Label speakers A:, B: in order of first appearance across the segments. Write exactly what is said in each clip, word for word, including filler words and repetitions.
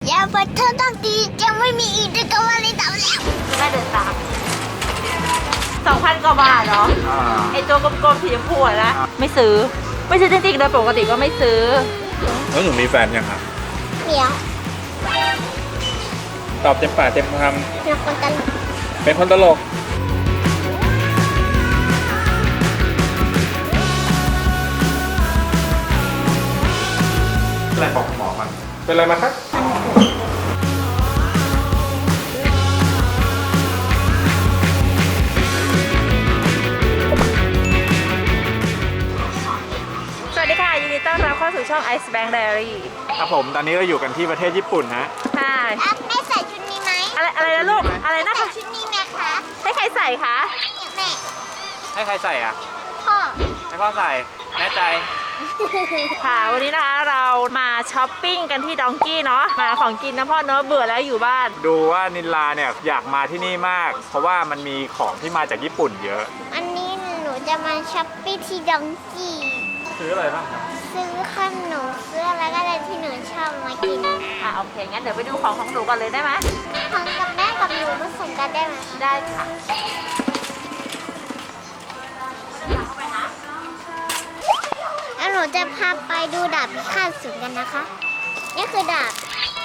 A: อย่าไปเธอต้องดีจะไม่มีอีกจะก็ว่าเลยตามแล้ว
B: แม่เดินตามสองพันกว่าบาทเหรอไอตัวกลมๆสีชมพูนะไม่ซื้อไม่ซื้อจริงๆโดยปกติก็ไม่ซื้อ
C: แล้วหนูมีแฟนยังครับ
A: เดี๋ยว
C: ตอบเต็มปากเต็มค
A: ำเป็นคนตลก
C: เป็นคนตลกอะไรบอกหมอมันเป็นอะไรมาครับ
B: สวัสดีค่ะยินดีต้อนรับเข้าสู่ช่อง Ice Bank Diary
C: ครับผมตอนนี้เราอยู่กันที่ประเทศญี่ปุ่นนะ
B: ใช่
A: แม่ใส่ชุดนี้ไหม
B: อะไรอะไรนะลูกอะไรนะ
A: ใส่ชุดนี้ไหมคะ
B: ให้ใครใส่คะ
A: แม่
C: ให้ใครใส่อ่ะ
A: พ่อ
C: ให้พ่อใส่แน่ใจ
B: ค่ะวันนี้นะคะเรามาช้อปปิ้งกันที่ดองกี้เนาะมาของกินนะพ่อเนาะเบื่อแล้วอยู่บ้าน
C: ดูว่านิลลาเนี่ยอยากมาที่นี่มากเพราะว่ามันมีของที่มาจากญี่ปุ่นเยอะ
A: อันนี้หนูจะมาช้อปปิ้งที่ดองกี้
C: ซื้ออะไรบ้างครับ
A: ซื้อขนมซื้ออะไรก็ได้ที่หนูชอบมากิน
B: อ่ะโอเคงั้นเดี๋ยวไปดูของของหนูก่อนเลยได้ไหม
A: ของกับแม่กับหนูผสมกันได้ไหม
B: ได้ค่ะ
A: แล้วหนูจะพาไปดูดาบพิฆาตศูนย์กันนะคะนี่คือดาบ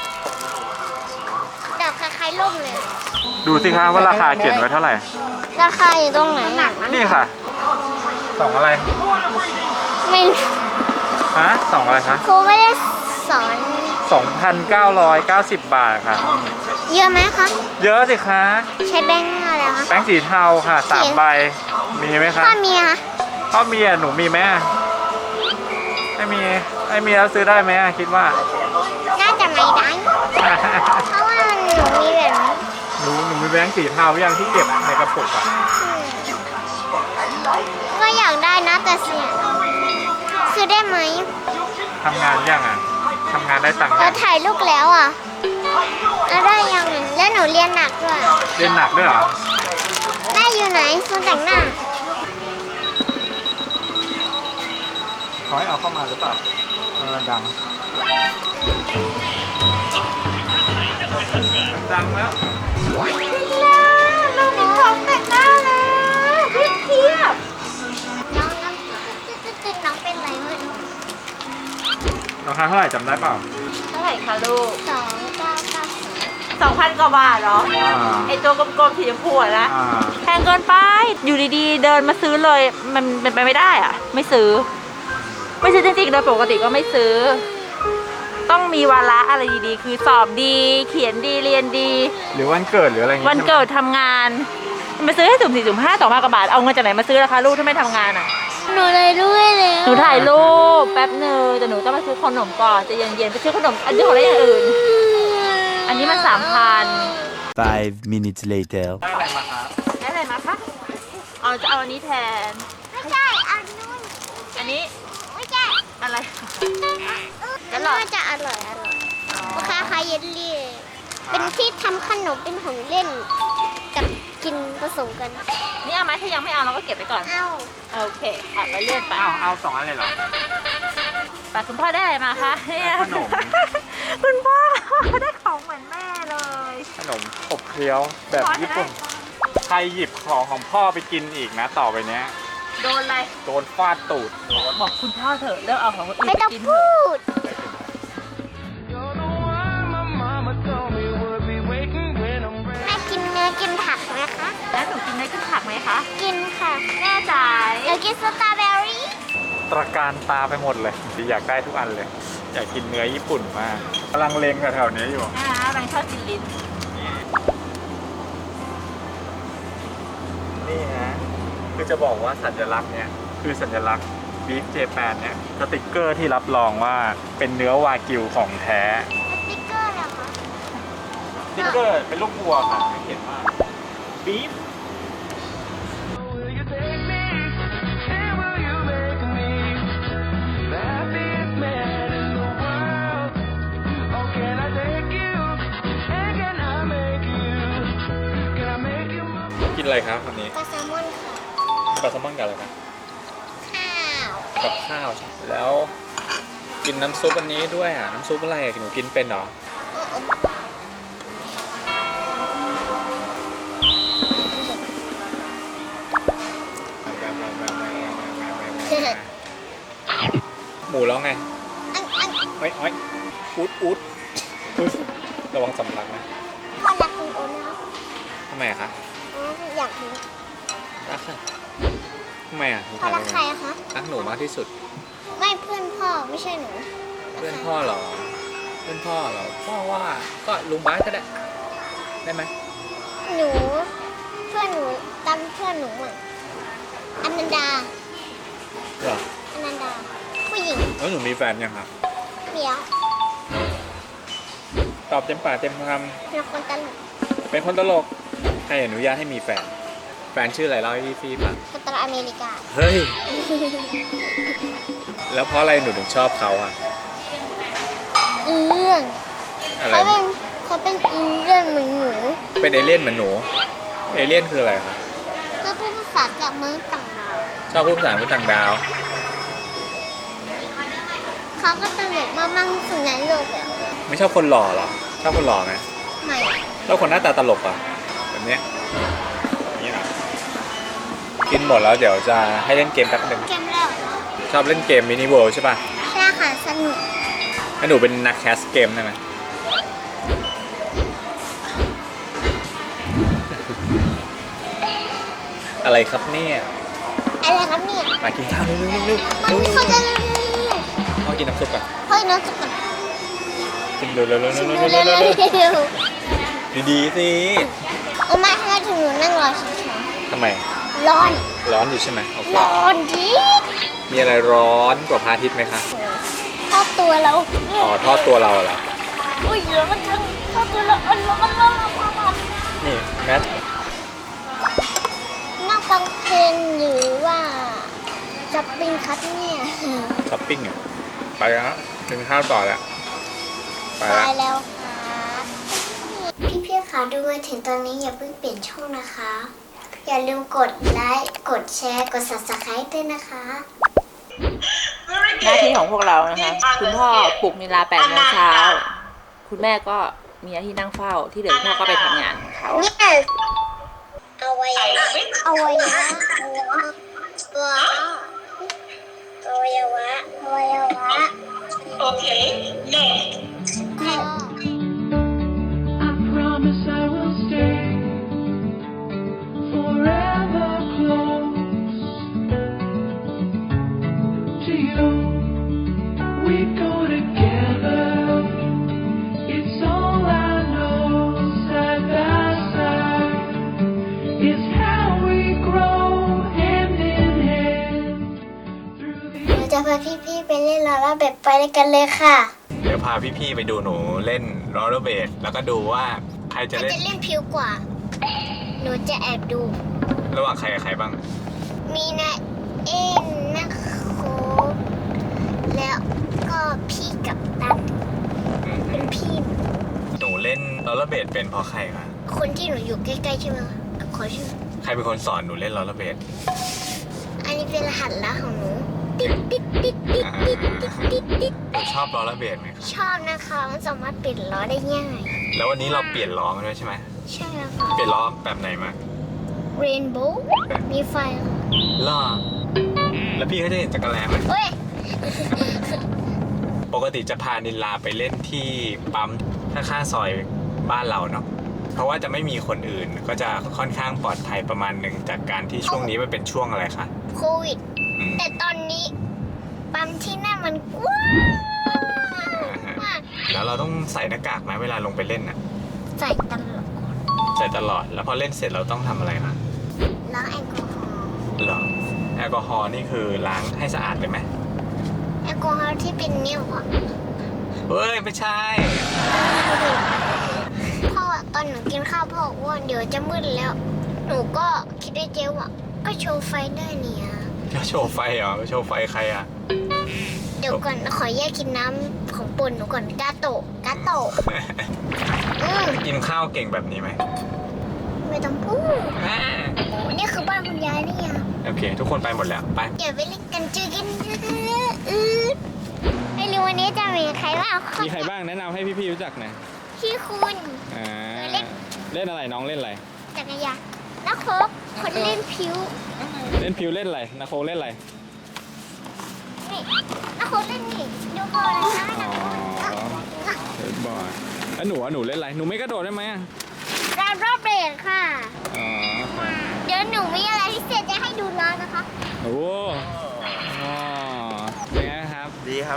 A: ดาบคล้ายๆล่มเลย
C: ดูสิคะว่าราคาเขียนไว้เท่าไหร่
A: ราคาอยู่ตรงไหนหนัก
C: นี่ค่ะสองอะไร
A: ไม่
C: ฮะสองอะไรคะ
A: ครูไม่ได้สอน
C: สองพันเก้าร้อยเก้าสิบ บาทค่ะ
A: เยอะไหมคะ
C: เยอะสิคะ
A: ใช้แบงค์อะไรคะ
C: แบงค์สีเทาค่ะสามใบมีไหมคะ
A: พ่อมีคะ
C: พ่อมีอ่ะหนูมีไหมไม่มีไม่มีแล้วซื้อได้ไหมคิดว่า
A: น่าจะไม่ได้เพราะว่าหนูมีแบบนี้
C: หนูหนูมีแบงค์สีเทายังที่เก็บในกระปุกอ่ะ
A: ก็อยากได้นะแต่เสียซื้อได้ไหม
C: ทำงานยังอ่ะทำงานได้ตังค์
A: เราถ่ายรูปแล้วอ่ะแล้วได้ยังแล้วหนูเรียนหนักด้วย
C: เรียนหนักด้วยเหรอ
A: แม่อยู่ไหนคนแต่งหน้า
C: เขาให้เอาเข้ามาหรือเปล่าเออดังดังแล้ว
A: เรามีของแต่งหน้าแล้วเทียบน้องน้องตื่นน้องเป็นไรเมื่อ
C: ราคาเท่าไหร่จำได้เปล่า
B: เท่าไหร่คะลูก
A: สองเก้าเก้า
B: สองพันกว่าบาทเหรอไอตัวกลมๆสีชมพูนะแพงเกินไปอยู่ดีๆเดินมาซื้อเลยมันเป็นไปไม่ได้อ่ะไม่ซื้อไม่ซื้อจริงๆโดยปกติก็ไม่ซื้อต้องมีวาระอะไรดีๆคือสอบดีเขียนดีเรียนดี
C: หรือวันเกิดหรืออะไรเงี้ย
B: วันเกิดทำงานมาซื้อให้สุ่มสี่สุ่มห้าสองพันกว่าบาทเอาเงินจากไหนมาซื้อราคาลูกถ้าไม่ทำงานอ่ะ
A: หนูเลยด้วยเลย
B: หนูถ่ายรูปแป๊บนึงแต่หนูต้องมาซื้อขนมก่อนจะเย็นๆไปซื้อขนมอันนี้ของอะไรอย่างอื่นอันนี้มันสามพัน
D: five minutes later
C: ได้อะไรมาครับ
B: ได้อะไรมาคะเอาจะเอาอันนี้แทน
A: ไม่ใช่อันนู้น
B: อันนี้
A: ไม่ใช่
B: อะไร
A: ก็น่าจะอร่อยอร่อยราคาคล้ายเยลลี่เป็นที่ทำขนมเป็นของเล่นกับกินผสมกัน
B: นี่เอาไหมถ้ายังไม่เอาเราก็เก็บไปก่อน
A: เอา
B: โอเคเอาไปเลื่อนไป
C: เอาเอาสองอันเลยเหรอ
B: แต่คุณพ่อได้อะไรมาคะ
C: ขนม
B: คุณพ่อได้ของเหมือนแม่เลย
C: ขนมอบเคี้ยวแบบญี่ปุ่นใครหยิบของของพ่อไปกินอีกนะต่อไปเนี้ย
B: โดนอะไร
C: โดนฟาดตูด
B: บอกคุณพ่อเถอะเลิกเอาของคนอื่น
A: ไปกินพูดแม่กินเนื้อกินผักไหมคะ
B: แล้วหนูกินเนื้อกินผักไหมคะ
A: กินค่ะ
B: แน่ใจ
A: อยากกินสตรอเบอรี่
C: ตระการตาไปหมดเลยอยากได้ทุกอันเลยอยากกินเนื้อญี่ปุ่นมากกำลังเลงแถวๆนี้อยู่
B: อ่ากำลังชอบกินลิ้น
C: นี่ฮะคือจะบอกว่าสัญลักษณ์เนี่ยคือสัญลักษณ์บีฟเจแปนเนี่ยสติกเกอร์ที่รับรองว่าเป็นเนื้อวากิวของแท้
A: สติกเกอร์เหรอคะ
C: สติกเกอร์เป็นลูกวัวค่ะเขียนว่าบีฟกินอะไรครับวันนี้
A: ปลาแซลมอนค่ะ
C: ปลาแซลมอนกับอะไรครับ
A: ข้าว
C: กับข้าวแล้วกินน้ำซุปอันนี้ด้วยอ่ะน้ำซุปอะไรหนูกินเป็นเหรอแล้วไง
A: อันอัน
C: เฮ้ยเฮ้ยอุดอุดอุ๊ยระวังสำลักนะ
A: พ่อรักคุณโอนะครับ
C: ทำไมอะคะ
A: อ๋ออยากรู้
C: รักค่ะทำไมอะ
A: พ่อรักใครอะคะ
C: รักหนูมากที่สุด
A: ไม่เพื่อนพ่อไม่ใช่หนู
C: เพื่อนพ่อเหรอ เพื่อนพ่อเหรอ พ่อว่าก็ลุงบาสก็ได้ ได้ไหม
A: หนูเพื่อนหนูตามเพื่อนหนูอ่ะอนันดา
C: เหรอ
A: อนันดา ผู้หญิง
C: แล้วหนูมีแฟนยังครับ
A: เมีย
C: ตอบเต็มปากเต็มค
A: เป็นคนตลก
C: ำเป็นคนตลก ใครอนุญาตให้มีแฟน แฟนชื่ออะไรเล่าให้พี่ฟีฟัง
A: คนตลกอเมริกา
C: เฮ้ย แล้วเพราะอะไรหนูถึงชอบเขาอะ
A: อีเรื่อง
C: อะไร
A: เขาเป็นเขาเป็นอีเรื่องเหมือนหนู
C: เป็นเอเลี่ยนเหมือนหนู เอเลี่ยนคืออะไรคะ
A: ก็พูดภาษาจากเมืองต่างดาว
C: ชอบพูดภาษาพูดต่างดาว
A: เขาก็ตลกมากมั่งสุดในโลกเลย
C: ไม่ชอบคนหล่อเหรอ ชอบคนหล่อไหม
A: ไม่
C: ชอบคนหน้าตาตลกอ่ะแบบเนี้ยนี่นะกินหมดแล้วเดี๋ยวจะให้เล่นเกมแป๊บนึง
A: เกมแล้ว
C: ชอบเล่นเกมมินิเวิลด์ใช่ป่ะ
A: ใช่ค่ะสนุก
C: ให้หนูเป็นนักแคสเกมได้ไหมอะไรครับเนี่ย
A: อะไรครับเนี่ย
C: มากินข้าวเร็วๆเร็วๆเร็ว
A: มัน
C: ๆ
A: เขาจะ
C: พ่อกินน้ำซุปก่อน
A: เฮ้ยน้องจะก่อน
C: กินเร็วๆเร็วๆ
A: ชิม
C: เร็ว
A: ดู
C: ๆ
A: เร็ว
C: เร็ว
A: เร็ว
C: ๆดีๆสิ
A: โอ้มาให้ถึงหนูนั่งรอเฉย
C: ทำไม
A: ๆร้อน
C: ร้อนอยู่ใช่ไหมโอเค
A: ร้อนดี
C: มีอะไรร้อนกว่าพระอาทิตย์ไหมคะ
A: ทอดตัวเรา
C: อ๋อทอดตัวเราเหรอ
A: อุ้ยร้อนจังทอดตัวเราร้อนร้อนร้อนร้อน
C: นี่แมท
A: นั่งฟังเพลงหรือว่าจะปิ้งครับเนี่ย
C: ช้อปปิ้งอ่ะไปแล้วกินข้าวต่อแล้วไป
A: ไป
C: แล้ว
A: แล้วครับพี่ๆค่ะดูมาถึงตอนนี้อย่าเพิ่งเปลี่ยนช่องนะคะ อย่าลืมกดไลค์กดแชร์กด ซับสไครบ์ ด้วยนะคะ
B: หน้าที่ของพวกเรานะคะ คุณพ่อปลุกนิลาแปดโมงเช้า คุณแม่ก็มีหน้าที่นั่งเฝ้า ที่เหลือพ่อก็ไปทำงานของเขา
A: Yes เอาไว้เอาไว้นะว้าวอวัยวะอวัยวะ
E: Okay, next.
A: พ่อ
F: I promise I will stay forever close to you. We go together. It's all I know. Side by side is how we grow hand in hand through the.
A: เราจะพาพี่ๆไปเล่นลาลาแบบไปด้วยกันเลยค่ะ
C: เดี๋ยวพาพี่ๆไปดูหนูเล่นโรลเลอร์เบดแล้วก็ดูว่าใคร
A: ใค
C: จะ
A: ร
C: เล่น
A: จะเล่นผิวกว่า หนูจะแอบดู
C: ระหว่างใครกับใครบ้าง
A: มีนะเอ็นนะโคกแล้วก็พี่กับตัน
C: อืม
A: เป็นพี่
C: หนูเล่นโรลเลอร์เบดเป็นเพราะใครคะ
A: คนที่หนูอยู่ใกล้ๆใช่ไหมคะขอชื่อ
C: ใครเป็นคนสอนหนูเล่นโรลเลอร์เบด
A: อันนี้เป็นรหัสลับของหนูติ๊ดติ๊ดติ๊ดติ๊ด
C: อ่า
A: ติ๊ดติ๊ดติ๊ด
C: หนูชอบโรลเลอร์เบดไหมคะ
A: ชอบนะคะมันสามารถเปลี่ยนล้อได้ง่าย
C: แล้ววันนี้เราเปลี่ยนล้อมาด้วยใช่ไหม
A: ใช่แล้วค่ะ
C: เปลี่ยนล้อแบบไหนมา
A: เรนโบว์มีไฟค่ะ
C: ล้อแล้วพี่เขาจะเห็นจักรแลไหม
A: เฮ้ย
C: ปกติจะพานิลลาไปเล่นที่ปั๊มข้างๆซอยบ้านเราเนาะ เพราะว่าจะไม่มีคนอื่นก็จะค่อนข้างปลอดภัยประมาณหนึ่งจากการที่ช่วงนี้มันเป็นช่วงอะไรคะ
A: โควิด
C: อืม
A: แต่ตอนนี้ปั๊มที่นั่นมันกว้างมาก
C: แล้วเราต้องใส่หน้ากากไหมเวลาลงไปเล่นน่ะ
A: ใส่ตลอด
C: ใส่ตลอด แล้วพอเล่นเสร็จเราต้องทำอะไรคะ
A: ล้างแอลกอฮอล์
C: เหรอ แอลกอฮอล์นี่คือล้างให้สะอาดเลยไหม
A: แอลกอฮอล์ที่เป็นนิ้วอะ
C: เฮ้ยไม่ใช่
A: พ่อตอนหนูกินข้าวพ่ออ้วนเดี๋ยวจะมืดแล้ว หนูก็คิดได้เจ๊ว่าก็โชว์ไฟได้เนี่ย
C: โชว์ไฟเหรอ โชว์ไฟใครอ่ะ
A: เดี๋ยวก่อนขอแยกกินน้ำของปุ่นหนูก่อนกาโตะกาโตะอืม
C: กินข้าวเก่งแบบนี้ไหม
A: ไม่ต้องพูด
C: อ่า
A: โอ้นี่คือบ้านคุณยายนี่ยัง
C: โอเค ทุกคนไปหมดแล้ว ไป
A: เดี๋ยวไปเล่นกันเจอกันอือไม่รู้วันนี้จะมีใครบ้าง
C: มีใครบ้างแนะนำให้พี่ๆรู้จักหน่อย
A: พี่คุณ
C: อ่า
A: เล่น
C: เล่นอะไรน้องเล่นอะไร
A: จักรยานนักโคกคนเล่นผิว
C: เล่นพิวเล่นอะไรนาโคเล่นอะไร
A: นี่แล้วเขาเล่นนี่ดูก่อนนะ
C: อ๋อเล่นบอร์ดแล้วหนูอ่ะหนูเล่นอะไรหนูไม่กระโดดได้ไหมอ่ะ
A: ราวรอบเบรกค่ะ
C: อ๋อครับ
A: เดี๋ยวหนูมีอะไรพิเศษจะให้ดูน้องนะคะ
C: โอ้อ๋อเป็นไงครับ
G: ดีครับ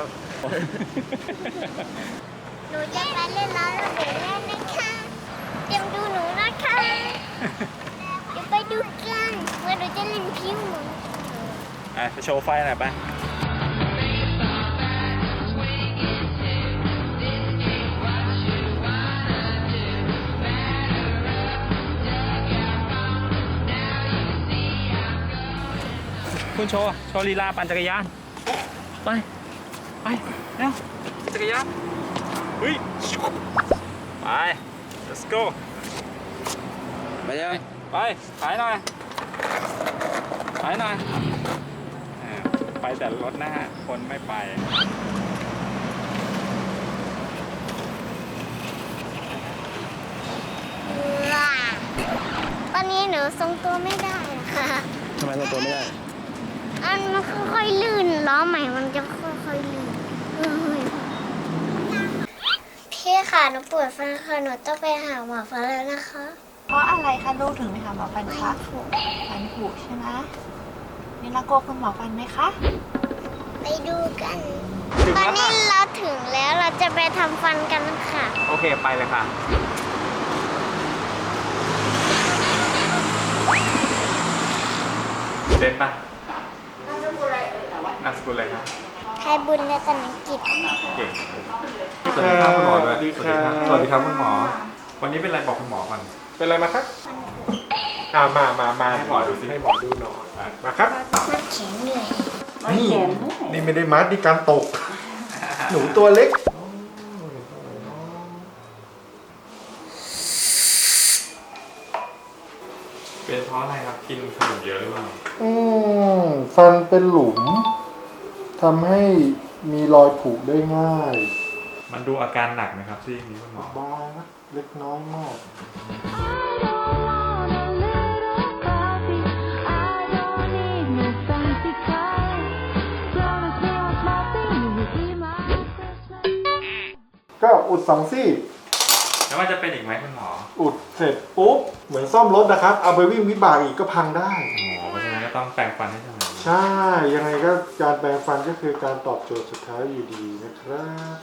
A: หนูจะไปเล่นราวรอบเบรกแล้วนะคะเตรียมดูหนูนะคะ เดี๋ยวไปดูกันว่าหนูจะเล่นพิว
C: อ่ะไปโชว์ไฟหน่อยไปคุณโชว์ โชว์ลีลาปั่นจักรยาน ไป ไปเร็วจักรยานเฮ้ยไป let's go
G: ไปยัง
C: ไปขายหน่อยขายหน่อยอ่าไปแต่รถหน้า คนไม่ไป
A: ว้าตอนนี้หนูทรงตัวไม่ได้ค่ะ
G: ทำไมเราตัวไม่ได้
A: อันมันค่อยๆลื่นล้อใหม่มันจะค่อยๆลื่นเอ้ยพี่ค่ะหนูปวดฟันค่ะหนูต้องไปหาหมอฟันแล้วนะคะ
B: เพราะอะไรคะลูกถึงไปหาหมอฟันคะ
A: ไม่ถูก
B: ฟันผุใช่ไหมนี่เรากลัวคุณหมอฟันไหมคะ
A: ไปดูกัน
C: ถึง
A: ตอ
C: แล้
A: น
C: ว
A: นี้
C: ค่ะ
A: เราถึงแล้วเราจะไปทำฟันกันค่ะ
C: โอเค ไปเลยค่ะ เด่นปะนามสกุลอะไรเอ่ยนามสกุลอะไรครับ
A: ไทยบุญและตนังกิจ
C: เก่งสวัสดีครับคุณหมอด้วยสวัสดีครับสวัสดีครับคุณหมอ วันนี้เป็นอะไรบอกคุณหมอก่อน
H: เป็นอะไรมาครับอ่ามามามา
C: ให้หมอดูสิ
H: ให้หมอดูหน่อยอ่ะมาครับ
A: มันแข็งเหนื่อย
H: นี่นี่ไม่ได้มัดนี่การตก หนูตัวเล็ก
C: เป็นเพราะอะไรครับ กินขนมเยอะหรือเปล่า
H: อืมฟันเป็นหลุมทำให้มีรอยผุได้ง่าย
C: มันดูอาการหนักไหมครับที่นี้คุณหมอ
H: บางนะเล็กน้อยมาก ก็อุดสองซี่
C: แล้วมันจะเป็นอีกไหมคุณหมอ
H: อุดเสร็จปุ๊บ เหมือนซ่อมรถนะครับ เอาไปวิ่งวิบากอีกก็พังได้
C: หมอเพราะฉะนั้นก็ต้องแปรงฟันให้สม่ำเสมอ
H: ใช่ ยังไงก็การแปรงฟันก็คือการตอบโจทย์สุดท้ายอยู่ดีนะครับ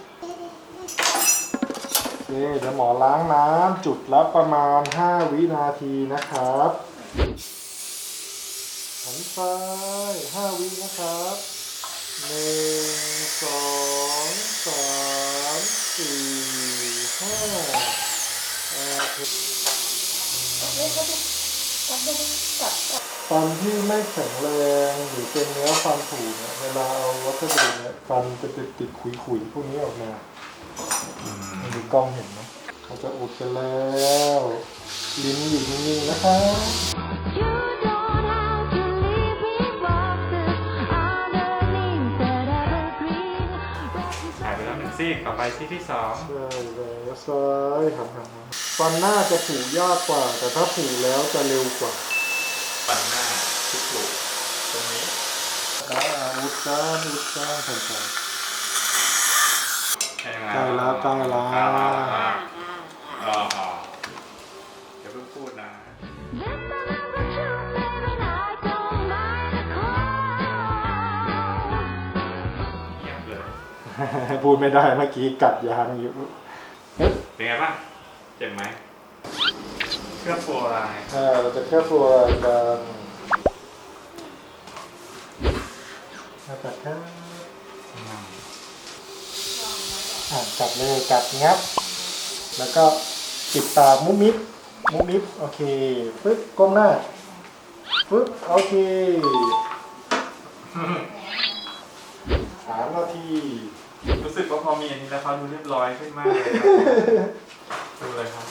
H: โอเคเดี๋ยวหมอล้างน้ำจุดละประมาณ ห้า วินาทีนะครับหันซ้ายห้าวินะครับหนึ่งสองสามสี่ห้าโอเคฟันที่ไม่แข็งแรงหรือเป็นเนื้อฟันผุเนี่ยเวลาเอาวัสดุเนี่ยฟันจะติดติดขุยๆพวกนี้ออกมามีกล้องเห็นไหมเขาจะอุดกันแล้ว ลิ้นอยู่นิ่งๆนะครับ
C: หายไปแล้วหนึ่งซี่ต่อไปซี่ที่สอง
H: ใช่แล้วซ้ายหันหันหันฟันหน้าจะผูยากกว่า แต่ถ้าผูแล้วจะเร็วกว่า
C: ฟันหน้าทุกลูกตรงนี้
H: อ่าอุดกันอุดกันผ่อนๆ
C: ใช่ไหม
H: ใกล้แล้วใกล้แล้ว
C: ใกล้แล้วครับอ๋อเดี๋ยวเพิ่งพูดนะเงียบเลย
H: พูดไม่ได้เมื่อกี้กัดยางอยู่
C: เป็นไงบ้างเจ็บไหมเครื่องโฟร์ไลน์
H: อ่าเราจะแค่ฟัวกันมากัดครับอ่ากัดเลยกัดงับ แล้วก็ปิดตามุ้มมิบมุ้มมิบโอเคปึ๊บก้มหน้าปึ๊บโอเคสามนาที
C: รู้สึกว่าพอมีอันนี้แล้วเขาดูเรียบร้อยขึ้นมากเลยครับดูเลยครับ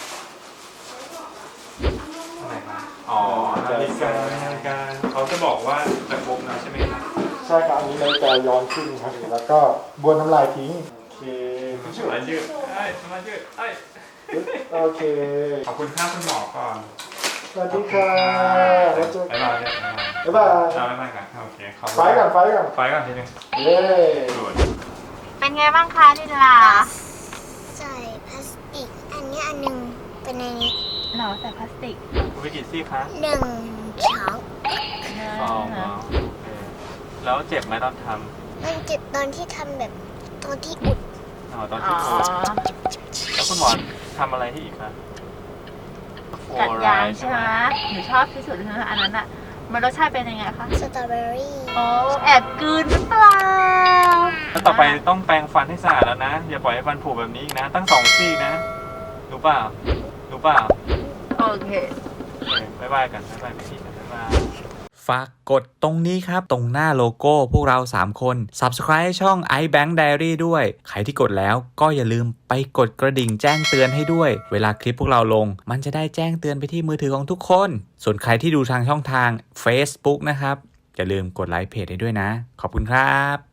C: อะไรครับอ๋อนาฬิกานาฬิกาเขาจะบอกว่าจะครบแล้วใช่ไหมครับ
H: ใช่ครับอันนี้นาฬิกาย้อนขึ้นครับแล้วก็บ้วนน้ำลายทิ้งโอเค
C: สมายืดไอ้สมายืดไอ้
H: ปึ๊บโอเค
C: ขอบคุณครับคุณหมอก่อน
H: สวัสดีค่ะแล้วเจอ
C: บ๊ายบาย
H: บ๊ายบาย
C: เอาบ๊ายบายกันโอเคขอบคุณ
H: ไฟก่อนไฟก่อน
C: ไฟก่อนทีนึง
H: เย้
C: ดูด
B: เป็นไงบ้างคะนิลา
A: ใส่พลาสติก อันนี้อันหนึ่งเป็นในนี้
B: หรอใส่พลาสติก
C: วิกิซี่คะ
A: หนึ่งช้อน
C: สองอ๋อโอเคแล้วเจ็บไหมตอนท
A: มันเจ็บตอนที่ทำแบบตอนที่อุด
C: ำอ๋อตอน
B: อ๋
C: ที่
B: อ
C: โดนแล้วคุณหมอทำอะไรที่อีกคะ
B: กัดยางใช่ไหมหนูชอบที่สุดเลยนะอันนั้นอะมันรสชาติเป็นยังไงคะ
A: สตรอเบอรี่
B: โอ้แอบกลืนหรือเปล่า
C: แล้วต่อไปต้องแปรงฟันให้สะอาดแล้วนะ อย่าปล่อยให้ฟันผุแบบนี้อีกนะ ตั้งสองซี่นะ รู้เปล่า รู้เปล่า
B: โอเค
C: โอเคบ๊ายบายกันบ๊ายบายพี่กันบ๊ายบายฝากกดตรงนี้ครับ ตรงหน้าโลโก้พวกเราสามคน Subscribe ช่อง iBank Diary ด้วย ใครที่กดแล้วก็อย่าลืมไปกดกระดิ่งแจ้งเตือนให้ด้วย เวลาคลิปพวกเราลง มันจะได้แจ้งเตือนไปที่มือถือของทุกคน ส่วนใครที่ดูทางช่องทาง Facebook นะครับ อย่าลืมกดไลค์เพจให้ด้วยนะ ขอบคุณครับ